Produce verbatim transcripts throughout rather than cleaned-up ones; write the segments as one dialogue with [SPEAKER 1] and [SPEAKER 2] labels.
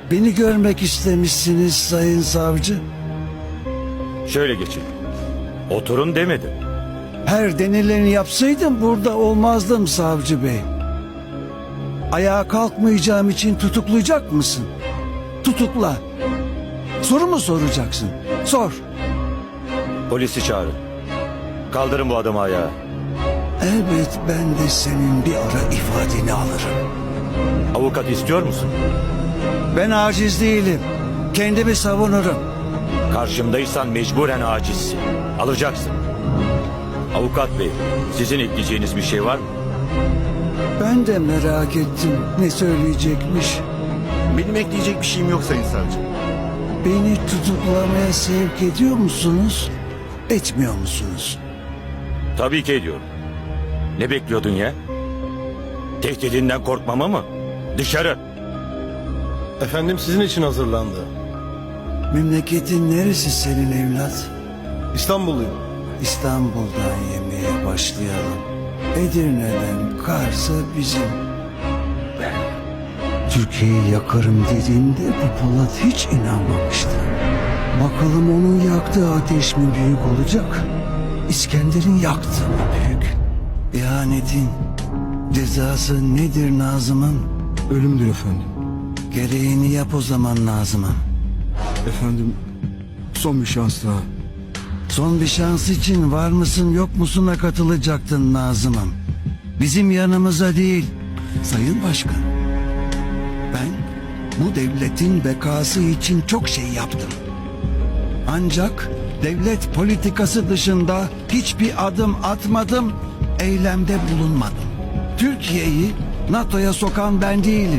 [SPEAKER 1] Beni görmek istemişsiniz sayın savcı.
[SPEAKER 2] Şöyle geçin. Oturun demedim.
[SPEAKER 1] Her denileni yapsaydım burada olmazdım savcı bey. Ayağa kalkmayacağım için tutuklayacak mısın? Tutukla. Soru mu soracaksın? Sor.
[SPEAKER 2] Polisi çağırın. Kaldırın bu adamı ayağa.
[SPEAKER 1] Elbet ben de senin bir ara ifadeni alırım.
[SPEAKER 2] Avukat istiyor musun?
[SPEAKER 1] Ben aciz değilim. Kendimi savunurum.
[SPEAKER 2] Karşımdaysan mecburen acizsin. Alacaksın. Avukat bey, sizin ekleyeceğiniz bir şey var mı?
[SPEAKER 1] Ben de merak ettim ne söyleyecekmiş.
[SPEAKER 3] Benim ekleyecek bir şeyim yok sayın savcı.
[SPEAKER 1] Beni tutuklamaya sevk ediyor musunuz? Etmiyor musunuz?
[SPEAKER 2] Tabii ki ediyorum. Ne bekliyordun ya? Tehdidinden korkmama mı? Dışarı.
[SPEAKER 3] Efendim sizin için hazırlandı.
[SPEAKER 1] Memleketin neresi senin evlat?
[SPEAKER 3] İstanbulluyum.
[SPEAKER 1] İstanbul'dan yemeye başlayalım. Edirne'den Kars'a bizim. Ben Türkiye'yi yakarım dediğimde bu Polat hiç inanmamıştı. Bakalım onun yaktığı ateş mi büyük olacak? İskender'in yaktığı mı büyük? İhanetin cezası nedir Nazım'ım?
[SPEAKER 4] Ölümdür efendim.
[SPEAKER 1] Gereğini yap o zaman Nazım'ım.
[SPEAKER 4] Efendim son bir şans daha.
[SPEAKER 1] Son bir şans için var mısın yok musuna katılacaktın Nazım'ım. Bizim yanımıza değil, Sayın Başkan. Ben bu devletin bekası için çok şey yaptım. Ancak devlet politikası dışında hiçbir adım atmadım, eylemde bulunmadım. Türkiye'yi NATO'ya sokan ben değilim.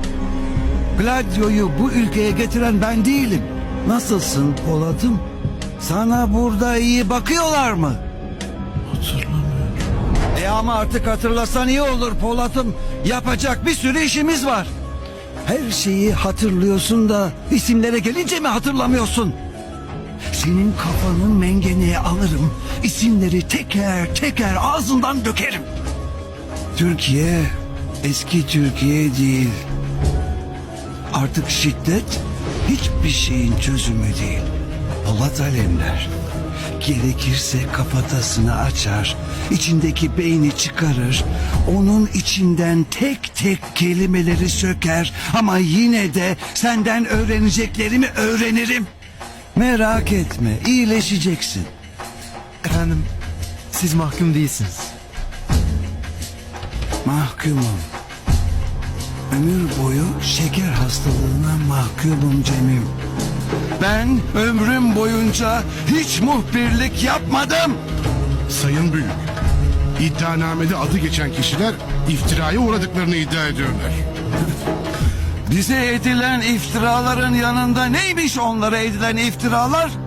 [SPEAKER 1] Gladio'yu bu ülkeye getiren ben değilim. Nasılsın Polat'ım? Sana burada iyi bakıyorlar mı? Hatırlamıyorum. E ama artık hatırlasan iyi olur Polat'ım. Yapacak bir sürü işimiz var. Her şeyi hatırlıyorsun da isimlere gelince mi hatırlamıyorsun? Senin kafanın mengeneye alırım. İsimleri teker teker ağzından dökerim. Türkiye eski Türkiye değil. Artık şiddet hiçbir şeyin çözümü değil. Polat Alemdar gerekirse kafatasını açar, içindeki beyni çıkarır, onun içinden tek tek kelimeleri söker ama yine de senden öğreneceklerimi öğrenirim. Merak etme, iyileşeceksin.
[SPEAKER 4] Efendim siz mahkum değilsiniz.
[SPEAKER 1] Mahkumum. Ömür boyu şeker hastalığına mahkumum Cemil. Ben ömrüm boyunca hiç muhbirlik yapmadım.
[SPEAKER 5] Sayın Büyük, iddianamede adı geçen kişiler iftiraya uğradıklarını iddia ediyorlar.
[SPEAKER 1] Bize edilen iftiraların yanında neymiş onlara edilen iftiralar?